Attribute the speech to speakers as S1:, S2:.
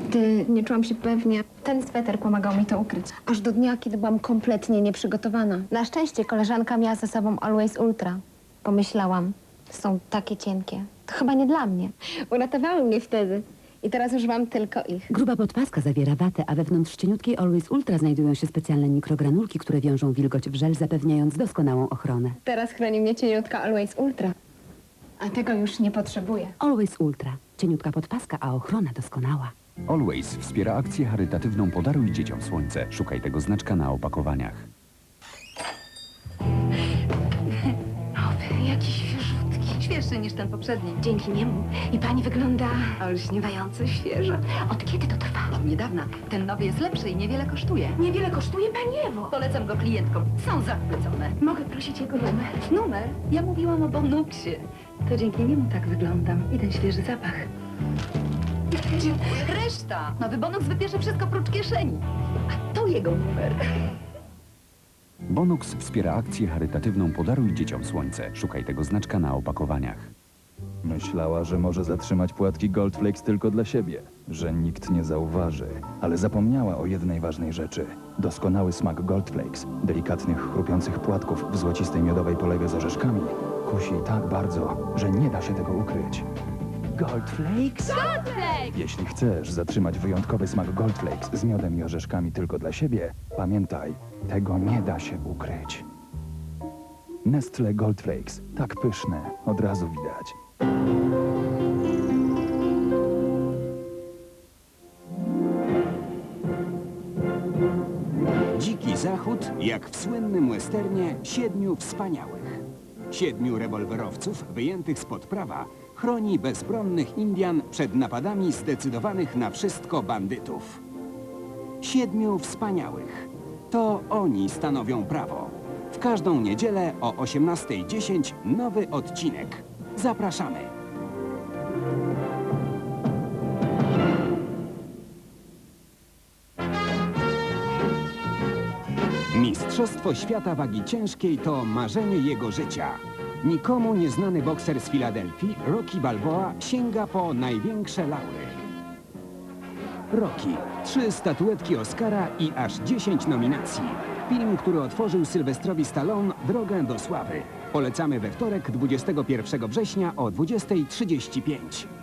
S1: Nigdy nie czułam się pewnie. Ten sweter pomagał mi to ukryć.
S2: Aż do dnia, kiedy byłam kompletnie nieprzygotowana.
S1: Na szczęście koleżanka miała ze sobą Always Ultra. Pomyślałam, są takie cienkie. To chyba nie dla mnie. Uratowały mnie wtedy. I teraz już mam tylko ich.
S3: Gruba podpaska zawiera watę, a wewnątrz cieniutkiej Always Ultra znajdują się specjalne mikrogranulki, które wiążą wilgoć w żel, zapewniając doskonałą ochronę.
S1: Teraz chroni mnie cieniutka Always Ultra. A tego już nie potrzebuję.
S3: Always Ultra. Cieniutka podpaska, a ochrona doskonała.
S4: Always wspiera akcję charytatywną Podaruj dzieciom słońce. Szukaj tego znaczka na opakowaniach.
S5: Nowy, jakiś świeżutki. Świeższy niż ten poprzedni.
S1: Dzięki niemu. I pani wygląda
S5: Olśniewająco świeżo.
S1: Od kiedy to trwa?
S5: Od niedawna. Ten nowy jest lepszy i niewiele kosztuje.
S1: Niewiele kosztuje, pani Ewo.
S5: Polecam go klientkom. Są zachwycone.
S1: Mogę prosić jego numer?
S5: Numer? Ja mówiłam o Bonuksie. To dzięki niemu tak wyglądam. I ten świeży zapach. Dziękuję. Reszta! Nowy Bonux wybierze wszystko prócz kieszeni. A to jego numer.
S4: Bonux wspiera akcję charytatywną Podaruj dzieciom słońce. Szukaj tego znaczka na opakowaniach.
S6: Myślała, że może zatrzymać płatki Goldflakes tylko dla siebie, że nikt nie zauważy, ale zapomniała o jednej ważnej rzeczy. Doskonały smak Goldflakes, delikatnych, chrupiących płatków w złocistej miodowej polewie z orzeszkami, kusi tak bardzo, że nie da się tego ukryć. Goldflakes? Jeśli chcesz zatrzymać wyjątkowy smak Goldflakes z miodem i orzeszkami tylko dla siebie, pamiętaj, tego nie da się ukryć. Nestle Goldflakes, tak pyszne, od razu widać.
S7: Dziki Zachód, jak w słynnym westernie Siedmiu Wspaniałych. 7 rewolwerowców wyjętych spod prawa chroni bezbronnych Indian przed napadami zdecydowanych na wszystko bandytów. 7 Wspaniałych. To oni stanowią prawo. W każdą niedzielę o 18:10 nowy odcinek. Zapraszamy. Mistrzostwo świata wagi ciężkiej to marzenie jego życia. Nikomu nieznany bokser z Filadelfii, Rocky Balboa, sięga po największe laury. Rocky. 3 statuetki Oscara i aż 10 nominacji. Film, który otworzył Sylwestrowi Stallone drogę do sławy. Polecamy we wtorek, 21 września o 20:35.